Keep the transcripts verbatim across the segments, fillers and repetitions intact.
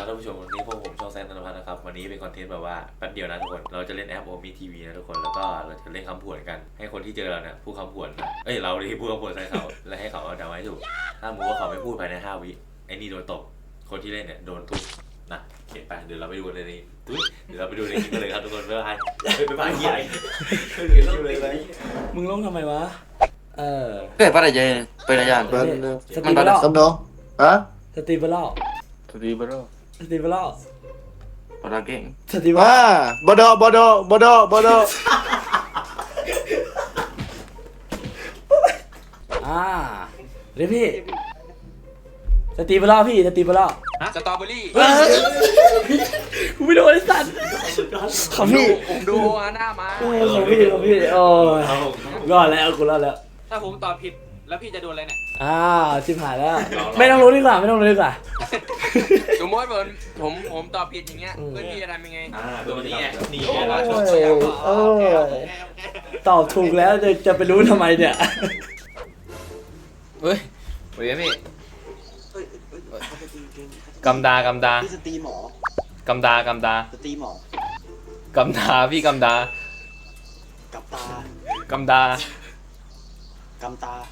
ครับท่านผู้ชมวันนี้พวกผมช่องแซนธนพัฒน์นะครับวันนี้เป็นคอนเทนต์แบบว่าแป๊บเดียวนะทุกคนเราจะเล่นแอปโอมีทีวีนะทุกคนแล้วก็เราจะเล่นคำผวนกันให้คนที่เจอเราเนี่ยพูดคำผวนนะเอ้ยเราที่พูดคำผวนใส่เขาแล้วให้เขาเอาดาวไว้ถูกถ้าสมมติว่าเขาไม่พูดภายในห้าวิไอ้นี่โดนตกคนที่เล่นเนี่ยโดนทุบนะโอเคไปเดี๋ยวเราไปดูในนี้เดี๋ยวเราไปดูในคลิปกันเลยครับทุกคนบ๊ายบายบ๊ายบายใหญ่มึงลงทำไมวะเออ Cái bắt là gì? Bây giờ Mình mình bắt là xong đâu? Hả? สตีเบลล์ Thì bắt đầu. สตีเบลล์ Bắt đầu cái. สตีเบลล์ À, bờ đô, bờ đô, bờ đô, bờ đô. อ่าเดี๋ยวพี่สตีเบลล์พี่สตีเบลล์สตรอเบอรี่กูไม่โดนไอ้สัตว์ของพี่ผมดูหน้ามาเออของพี่ของพี่โอ้ยรอดแล้วกูรอดแล้วถ้าผมตอบผิดแล้วพี่จะโดนอะไรเนี่ยอ่าชิบหายแล้วไม่ต้องรู้ดีกว่าไม่ต้องรู้ดีกว่าสมมติผมผมผมตอบผิดอย่างเงี้ยเพื่อนพี่จะทำยังไงอ่าตัวนี้ไงนี่โอ้ไงยโอ้ยตอบถูกแล้วจะจะไปรู้ทำไมเนี่ยเฮ้ยสวัสดีพี่กำดากำดาพี่สตรีหมอกำดากำดาสตรีหมอกำดาพี่กำดากับตากำดากำตา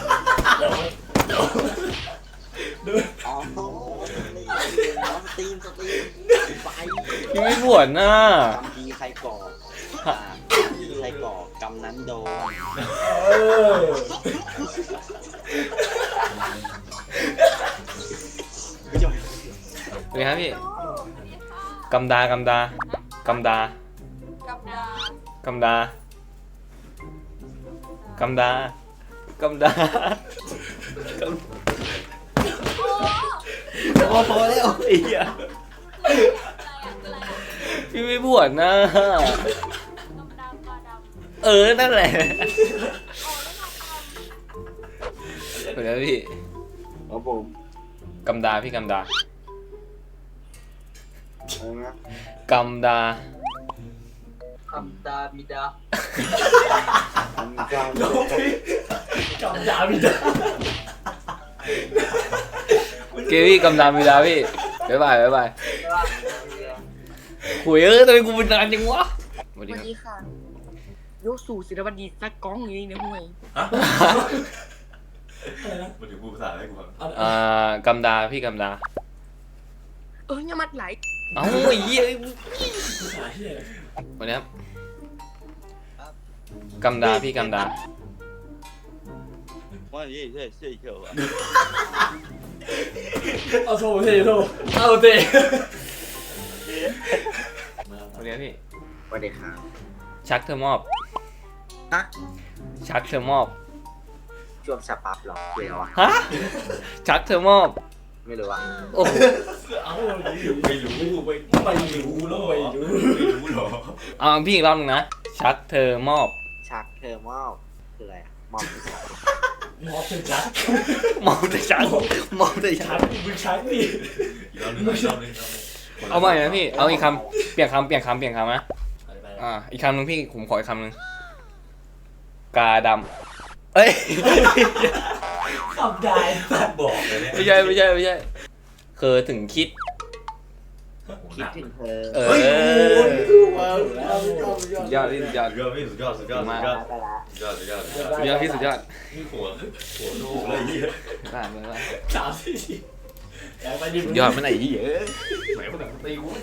อ๋อน้องสตรีมสตรีมไปพี่ไม่ปวดน่ะกำดีใครก่ออ่ากำดีใครก่อกำนั้นโดนเออไม่จบสวัสดีครับพี่กำดากำดากำดากำดากำดากำดาพอพอแล้วไอ้เหี้ยพี่ไม่ปวดน่ะเออนั่นแหละสวัสดีครับพี่ Ở bụng. กำดาพี่กำดา Ờ, nghe. กำดาคำดาบิดา Anh cao. จำดาไม่ได้เกวี่กำดาบิดาพี่บ๊ายบายบ๊ายบายคุยเออทำไมกูเป็นนานจังวะสวัสสดีวัคสรับดีค่ะยกสู่ศิลปดีสักก้องอย่างนี้นะห่วยมาถึงพูดภาษาอะไรกูฟังอ่ากำดาพี่กำดาเอออย่ามัดไหลเอ้าไอ้เหี้ยวันนี้ครับกำดาพี่กำดาว่าอย่างนี้ใช่ใช่เขียวอ่ะเอาโซ่เทโซ่เอาเทวันนี้พี่สวัสดีครับชักเธอมอบฮะชักเธอมอบช่วงสปับหรอเกี่ยวอ่ะฮะชักเธอมอบไม่รู้ว่าโอ้โหเอาไม่รู้ไม่ไม่รู้หรอไม่รู้หรอเอาพี่อีกรอบหนึงนะชักเธอมอบชักเธอมอบคืออะไรอ่ะมอบหมอเป็นชักมอบแต่ชักมอบแต่ชัชักกมึงชักดิอีกรอบนึงอีกรอบนึงเอาใหม่นะพี่เอาอีกคำเปลี่ยนคำเปลี่ยนคำเปลี่ยนคำนะอ่าอีกคำหนึงพี่ผมขออีกคำหนึงกาดำเอ้ยขับได้บอกเลยเนี่ยไม่ใช่ไม่ใช่ไม่ใช่เคยถึงคิดคิดถึงเธอเออว้าวแล้วสุดยอดยอดพี่สุดยอดสุดยอดพี่สุดยอดสุดยอดสุดยอดไปละสุดยอดสุดยอดสุดยอดพี่สุดยอดนี่หัวหัวลูกเลยยี่บ้าบ้าบ้าสามสี่สี่อยากไปดิสุดยอดไม่ไหนยี่เอ้ยไหนคนไหนตีกู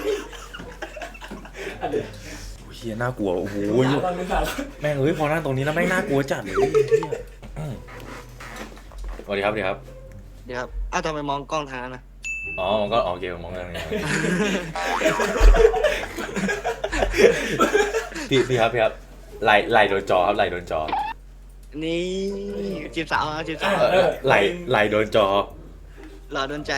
เฮียน่ากลัวโอ้โหตอนนี้ค่ะแม่งเอ้ยพอนั่งตรงนี้แล้วแม่งน่ากลัวจัดเลยสวัสดีครับสวัสดีครับเดี๋ยวครับอ้าวทำไมมองกล้องทางนั้นนะอ๋อมันก็โอเคมองกันเลยพี่พี่ครับพี่ครับไหลไหลโดนจอครับไหลโดนจอนี่จีบสาวอ่ะจีบสาวเออไหลไหลโดนจอหล่อโดนใจ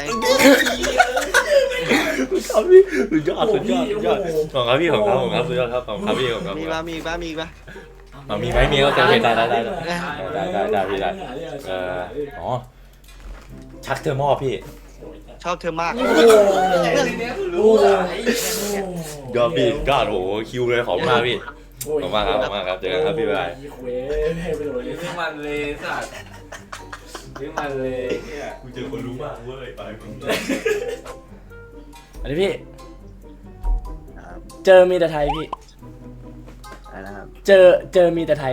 ครับพี่สุดยอดสุดยอดสุดยอดของครับพี่ของครับของครับสุดยอดครับของครับพี่ของครับมีบ้ามีบ้ามีบ้าอ๋อมีไหมมีก็โอเคได้ได้ได้ได้ได้ได้พี่ได้เอออ๋อชักเธอมอบพี่ชอบเธอมากโอ้โหโอ้โหยอดพี่ยอดโอ้โหคิวเลยขอบคุณมากพี่ขอบคุณมากครับขอบคุณมากครับเจอกันครับพี่บ๊ายบายเว้ยให้ไปโดนเลยนี่มันเลยสัตว์นี่มันเลยเนี่ยกูเจอคนรู้มากเว้ยไปมึงอันนี้พี่ครับเจอมีแต่ไทยพี่อะไรนะครับเจอเจอมีแต่ไทย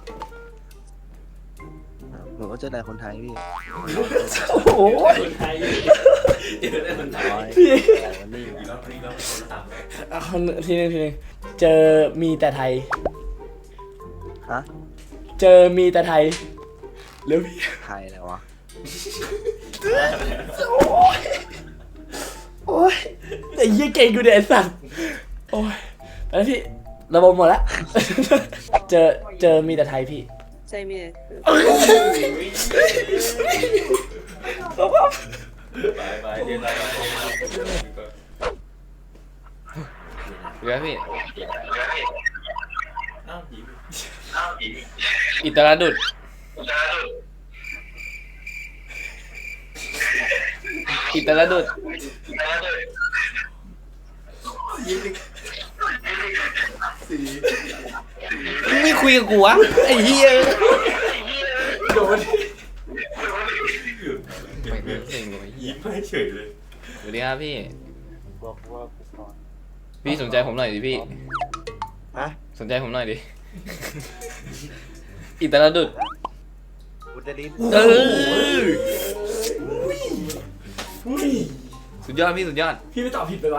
ครับผมก็เจอแต่คนไทยพี่โอ้โหคนไทยเจอได้คนไทยร้อยพี่แต่วันนี้อีกรอบอีกรอบคนละสามเลยเอาทีนึงทีนึงเจอมีแต่ไทยฮะเจอมีแต่ไทยเร็วพี่ไทยอะไรวะโอ้ยไอ้เหี้ยเก่งกูเนี่ยไอ้สัตว์โอ้ยไปแล้วพี่ระบบหมดแล้ว เจอเจอมีแต่ไทยพี่ใช่ไหมไปไปเรียนไปไปเดี๋ยวพี่อ้าวยิ้มอิตาลดุดอิตาลดุดมึงไม่คุยกับกูวะไอ้เหี้ยโดนไปเซ็งเลยยิ้มให้เฉยเลยสวัสดีครับพี่บอกว่ากูสอนพี่สนใจผมหน่อยดิพี่ฮะสนใจผมหน่อยดิ อิตาลดุดอุตรินเอออุ้ยสุดยอดพี่สุดยอดพี่ไม่ตอบผิดไปวะ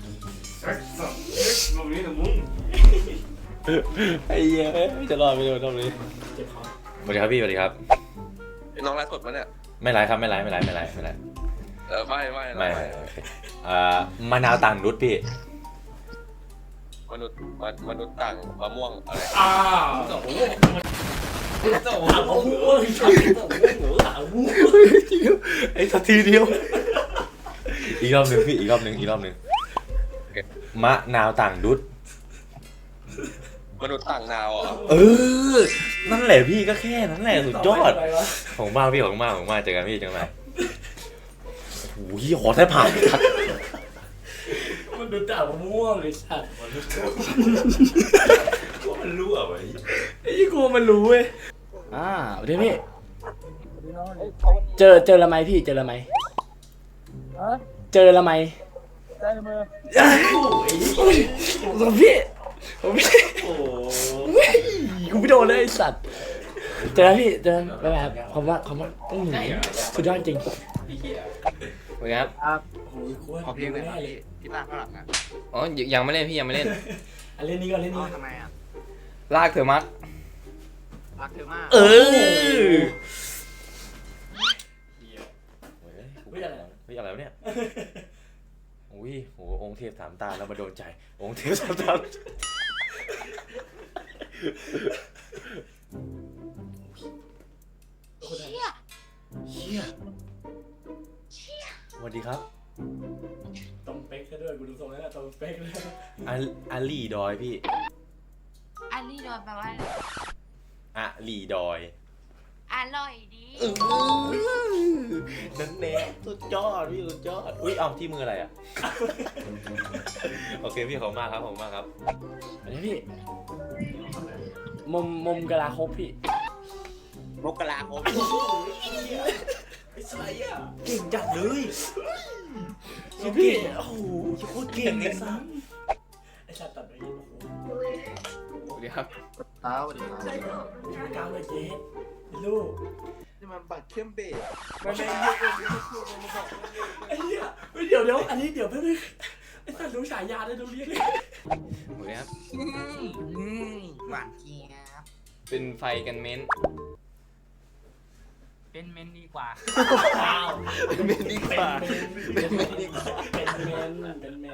ลงนี้นะมึงไอ้เหี้ยจะรอดไม่โดนตรงนี้เจ็บคอสวัสดีครับพี่สวัสดีครับน้องไลฟ์สดมาเนี่ยไม่ไลฟ์ครับไม่ไลฟ์ไม่ไลฟ์ไม่ไลฟ์ไม่ไลฟ์เออไม่ไม่ไม่ไม่โอเคอ่ามะนาวต่างนุชพี่มนุษย์มนุษย์ต่างมะม่วงอะไรอ้าวโอ้โหหาหูเว้ยหาหูไอ้สักทีเดียวอีกรอบหนึ่งพี่อีกรอบหนึ่งอีกรอบหนึ่งมะนาวต่างนุชมนุษย์ต่างดาวเหรอเออนั่นแหละพี่ก็แค่นั้นแหละสุดยอดของมากพี่ของมากของมากเจอกันพี่เจอกันใหม่โอ้โหขอแทบผ่านทัดมันดูแต่มะม่วงเลยสัตว์มันรั่วไว้ไอ้กูมันรู้เว้ยอ่าเดี๋ยวพี่เจอเจอละไหมพี่เจอละไหมเจอละไหมได้มือผมพี่ผมพี่โอ้กูไม่โดนเลยไอ้สัตว์เจอแล้วพี่เจอไปแบบคำว่าคำว่าอื้อหือสุดยอดจริงสวัสดีครับขอเพลงหน่อยครับพี่พี่ตั้งข้างหลังอ่ะอ๋อยังยังไม่เล่นพี่ยังไม่เล่นอันเล่นนี้ก่อนเล่นนี้ทำไมอ่ะลากเธอมักรักเธอมากเออเฮ้ยอะไรเฮ้ยอะไรวะเนี่ยอุ้ยโหองค์เทพสามตาแล้วมาโดนใจองค์เทพสามตาเชี่ยเชี่ยสวัสดีครับตรงเป๊กซะด้วยกูดูทรงแล้วตรงเป๊กเลยอาอาลีดอยพี่อันนี้โดนแปลว่าอะไรอาลีดอยอร่อยดีนั่นแน่สุดยอดพี่สุดยอดอุ้ยเอาที่มืออะไรอ่ะ โอเคพี่ขอบคุณมากครับขอบคุณมากครับอันนี้พี่มุมมุมกะลาครบพี่มกราคมไอ้สายอ่ะเก่งจัดเลยพี่โอ้โหโคตรเก่งเลยซ้ำไอ้สัตว์ตัดไปยิงโอ้โหสวัสดีครับเท้าสวัสดีครับชูกาวเลยเจ๊ลูกนี่มันบัตรเข้มเบสไม่ไม่ไอ้เหี้ยไม่เดี๋ยวเดี๋ยวอันนี้เดี๋ยวแป๊บนึงไอ้สัตว์รู้ฉายาได้ดูเรียกเลยสวัสดีครับหวานเจี๊ยบเป็นไฟกันเม้นเป็นเมนดีกว่าอ้าวเป็นเมนดีกว่าเป็นเมนดีกว่าเป็นเมนเป็นเมน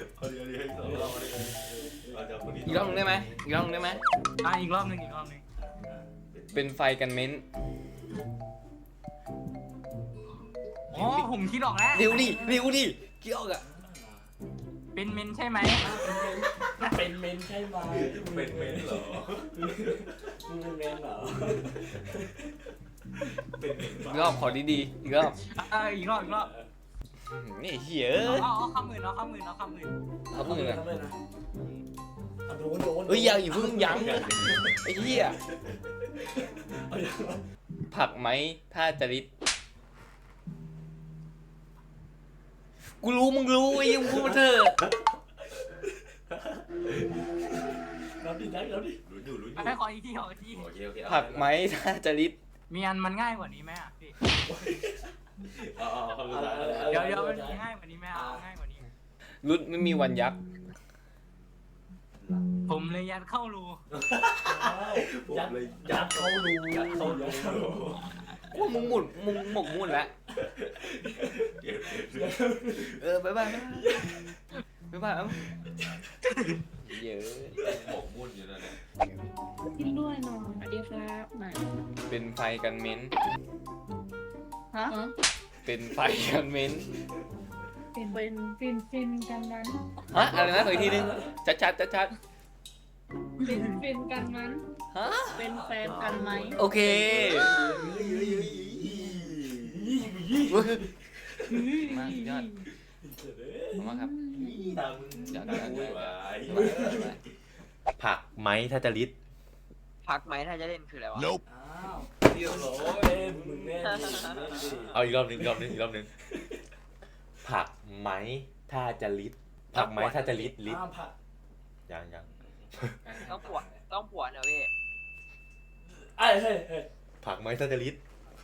อีกรอบหนึงได้ไหมอีกรอบหนึงได้ไหมอ่ะอีกรอบหนึ่งอีกรอบหนึ่งเป็นไฟกันเม้นอ๋อผมคิดออกแล้วเร็วดิเร็วดิเกี่ยวกับเป็นเมนใช่ไหมเป็นเมนใช่ไหมเป็นเมนเหรอมึงเป็นเมนเหรออีกรอบขอดีๆอีกรอบเอออีกรอบอีกรอบนี่เหี้ยเอาเอาเอาข้ามหมื่นเอาข้ามหมื่นเอาข้ามหมื่นเอาพูดเลยเอาโดนโดนเฮ้ยยังอย่าเพิ่งยังไอ้เหี้ยผักไหมถ้าจะริดกูรู้มึงรู้ไอ้ยังพูดมาเถอะรับดินักรับดิลุ้นอยู่ลุ้นอยู่ให้ขออีกทีขออีกทีโอเคโอเคเอาผักไหมถ้าจะลิดมีอันมันง่ายกว่านี้ไหมอ่ะพี่เอาเอาเอาคำสุดท้ายเดี๋ยวเดี๋ยวมันมีง่ายกว่านี้ไหมเอาง่ายกว่านี้รุดไม่มีวันยักษ์ผมเลยยัดเข้ารูยัดยัดเข้ารูยัดเข้ารูว่ามึงหมุนมึงหมกมุ่นแล้วเออบ๊ายบายบ๊ายบายเอ้าเยอะหมกมุ่นอยู่นั่นแหละกินด้วยหน่อยสวัสดีครับไหนเป็นไฟกันเม้นฮะเป็นไฟกันเม้นเป็นเป็นฟินฟินกันนั้นฮะอะไรนะขออีกทีนึงชัดชัดชัดชัดเป็นฟินกันนั้นฮะเป็นแฟนกันไหมโอเคมากยอดขอบคุณมากครับอยากได้ผักไหมถ้าจะลิดพักไหมถ้าจะเล่นคืออะไรวะอ้าวเรียบร้อยเล่นมึงแน่ดิเล่นดิเอาอีกรอบหนึงอีกรอบหนึงอีกรอบหนึงผักไหมถ้าจะลิดผักไหมถ้าจะลิดลิดอ้าวผักยังยังต้องปวดต้องปวดนะพี่ไอ้เฮ้ยเฮ้ยผักไหมถ้าจะลิด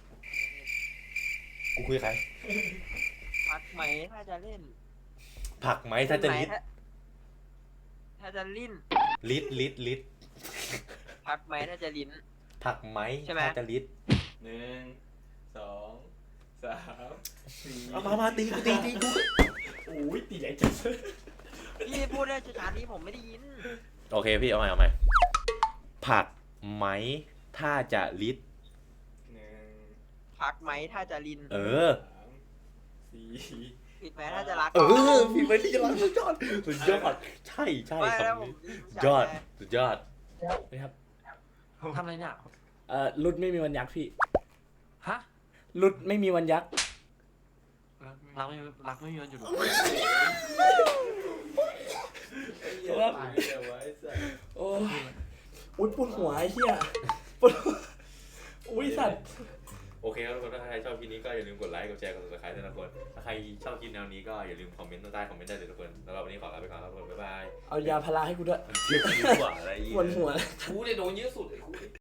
กูคุยกับใครพักไหมถ้าจะเล่นผักไหมถ้าจะลิดถ้าจะลิ้นลิดลิดลิดพักไหมถ้าจะลิ้นผักไหมใช่ไหมถ้าจะลิดหนึ่งสองสามสี่เอามามาตีกูตีตีกูโอ้ยตีใหญ่จังพี่พูดได้ช้าๆนี้ผมไม่ได้ยินโอเคพี่เอาใหม่เอาใหม่ผักไหมถ้าจะลิดหนึ่งพักไหมถ้าจะลิ้นเออสามสี่ปิดไหมถ้าจะรักเออพี่ไปที่รักสุดยอดสุดยอดใช่ใช่ไม่คแล้วำผมนี้รู้จักยอดไงสุดยอดนะครับทำอะไรเนี่ยเอ่อรุดไม่มีวันยักษ์พี่ฮะรุดไม่มีวันยักษ์รักไม่รักไม่มีวันหยุดครับโอ้ยอุ้ยปวดหัวไอ้เหี้ยปวดหัวอุ้ยสัตว์โอเคครับทุกคนถ้าใครชอบคลิปนี้ก็อย่าลืมกดไลค์กดแชร์กด ซับสไครบ์ด้วยนะทุกคนถ้าใครชอบคลิปแนวนี้ก็อย่าลืมคอมเมนต์ใต้คอมเมนต์ได้เลยทุกคนแล้วเราวันนี้ขอลาไปก่อนครับทุกคนบ๊ายบายเอายาพาราให้กูด้วยเรียกดีกว่าอะไรอีกปวดหัวกูเนี่ยโดนเยอะสุดไอ้กู